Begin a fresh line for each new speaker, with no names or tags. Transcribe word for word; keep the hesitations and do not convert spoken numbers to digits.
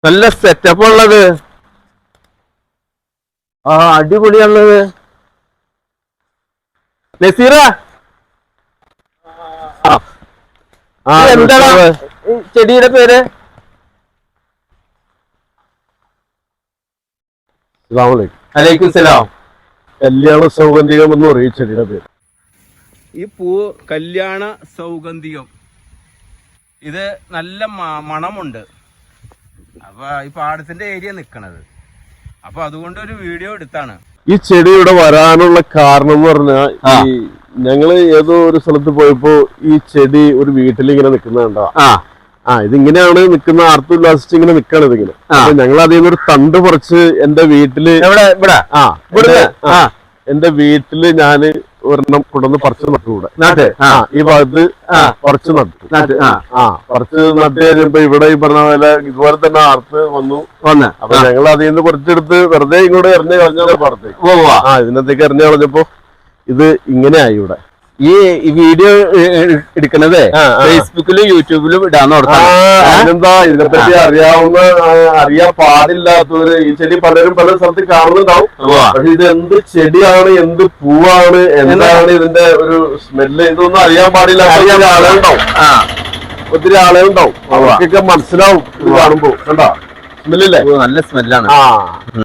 നല്ല സെറ്റപ്പ് ഉള്ളത്. ആ അടിപൊളിയാണുള്ളത്. നസീറ എന്താണ് ചെടിയുടെ പേര്? അലൈക്കും സലാം.
കല്യാണ സൗഗന്ധികം എന്ന് പറയും ചെടിയുടെ പേര്.
ഈ പൂ കല്യാണ സൗഗന്ധികം. ഇത് നല്ല മണമുണ്ട്. അപ്പൊ ഈ പാടത്തിന്റെ ഏരിയ നിക്കണത്. അപ്പൊ അതുകൊണ്ട് ഒരു വീഡിയോ എടുത്താണ്.
ഈ ചെടി ഇവിടെ വരാനുള്ള കാരണം എന്ന് പറഞ്ഞാൽ ഈ ഞങ്ങള് ഏതോ ഒരു സ്ഥലത്ത് പോയപ്പോ ഈ ചെടി ഒരു വീട്ടിൽ ഇങ്ങനെ നിൽക്കുന്നുണ്ടോ. ആ ഇതിങ്ങനെയാണ് നിൽക്കുന്ന, ആർത്തുല്ലാസിച്ച് ഇങ്ങനെ നിക്കാണ് ഇതിങ്ങനെ. അപ്പൊ ഞങ്ങൾ അതിൽ നിന്ന് ഒരു തണ്ട് പറിച്ച് എന്റെ വീട്ടില്
ഇവിടെ
ആ എന്റെ വീട്ടില് ഞാന് ഒരെണ്ണം കൊണ്ടുവന്ന് പറിച്ച് നട്ടു. കൂടെ ഈ ഭാഗത്ത് പറിച്ച് നട്ടു. ആ പറിച്ച് നട്ട് കഴിഞ്ഞപ്പോ ഇവിടെ ഈ പറഞ്ഞ പോലെ ഇതുപോലെ തന്നെ ആർത്ത് വന്നു വന്ന് അപ്പൊ ഞങ്ങൾ അതിൽ നിന്ന് കുറച്ചെടുത്ത് വെറുതെ ഇങ്ങോട്ട് എറിഞ്ഞ് കളഞ്ഞ പുറത്തേക്ക്. ആ ഇതിനകത്തേക്ക് എറിഞ്ഞു കളഞ്ഞപ്പോ ഇത് ഇങ്ങനെ ആയി. ഇവിടെ
ഈ വീഡിയോ എടുക്കണത് ഫേസ്ബുക്കിലും യൂട്യൂബിലും ഇടാന്ന് ഓർത്താണ്.
അതിനെന്താ ഇതിനെപ്പറ്റി അറിയാവുന്ന അറിയാൻ പാടില്ലാത്തവര് ഈ ചെടി പലരും പല സ്ഥലത്ത് കാണുന്നുണ്ടാവും. പക്ഷെ ഇത് എന്ത് ചെടിയാണ്, എന്ത് പൂവാണ്, എന്താണ് ഇതിന്റെ ഒരു സ്മെല്ല്, ഇതൊന്നും അറിയാൻ പാടില്ല. അറിയാൻ ആളുകളുണ്ടാവും, ഒത്തിരി ആളുകളുണ്ടാവും. അവർക്കൊക്കെ മനസ്സിലാവും ഇത് കാണുമ്പോ. കണ്ടാ സ്മെല്ലില്ലേ?
നല്ല സ്മെല്ലാണ്.
ആ